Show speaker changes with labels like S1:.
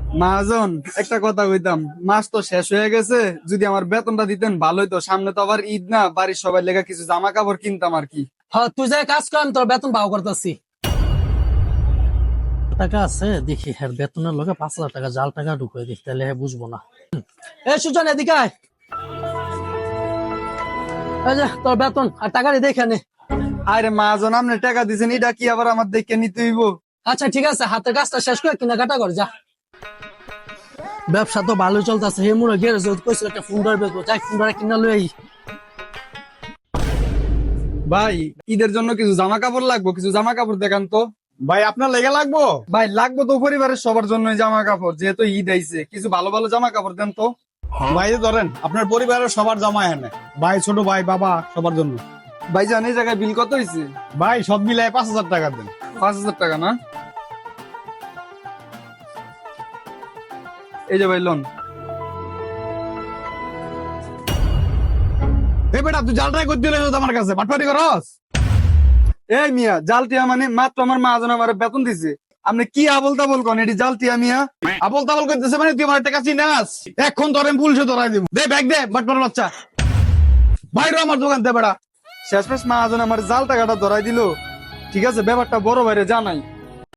S1: মহাজন, একটা কথা কইতাম, মাস তো শেষ হয়ে গেছে, যদি আমার বেতনটা দিতেন ভালোই তো। সামনে তো আবার ঈদ না, বাড়ির সবাই লেগে কিছু জামা কাপড় কিনতাম আর কি।
S2: হ্যাঁ, তুই যাই কাজ কর, আমি তোর বেতন ভাও করতেছি। টাকা আছে দেখি, হ্যাঁ বেতনের লগে 5,000 টাকা জাল টাকা ঢুকিয়ে দিই, তাহলে হ্যাঁ বুঝবো না। এ সুজন, এদিকে আয়। এই যে তোর বেতন আর টাকাটি দেখে নে।
S1: আরে মহাজন, আপনি টাকা দিছেন, এটা কি আবার আমার দেখে নিতে হইব?
S2: আচ্ছা ঠিক আছে, হাতের কাজটা শেষ করে কেনাকাটা কর যা। ব্যবসা তো ভালোই চলতেছে। হে মুড়ে গ্যারেজ কইছিল একটা ফোন ধরবে, যাই ফোন ধরে কিনা লই আই।
S1: ভাই, ঈদের জন্য কিছু জামা কাপড় লাগবো, কিছু জামা কাপড় দেখান তো।
S3: ভাই আপনার লেগে লাগবো?
S1: ভাই লাগবো তো, পরিবারের সবার জন্য জামা কাপড়, যেহেতু ঈদ আইছে, কিছু ভালো ভালো জামা কাপড় দেন তো।
S3: ভাই এই ধরেন, আপনার পরিবারের সবার জামা এনে, ভাই ছোট ভাই বাবা সবার জন্য।
S1: ভাইজান, এই জায়গায় বিল কত হয়েছে?
S3: ভাই সব মিলাই 5,000 টাকা দেন।
S1: 5,000 টাকা না? এই যে ভাই লোন।
S3: এই বেটা, তুই জালটাই করতে দিলে আমার কাছে বাটপাটি করস?
S1: এই মিয়া, জালটিয়া মানে মাত্র আমার মহাজন আমার বেতন দিছে, আপনি কি আবল তাবল কন? এটি জালটিয়া মিয়া।
S3: আবল তাবল করতেছে মানে তুই আমার টাকা চিনাস? এখন ধরেন পুলিশে ধরাই দিব। দে ব্যাগ দে, বাটপার বাচ্চা। বাইরে আমার দোকান দে বেটা।
S1: শেষমেশ মহাজন আমার জাল টাকাটা ধরাই দিল। ঠিক আছে, ব্যাপারটা বড় ভাইরে জানাই।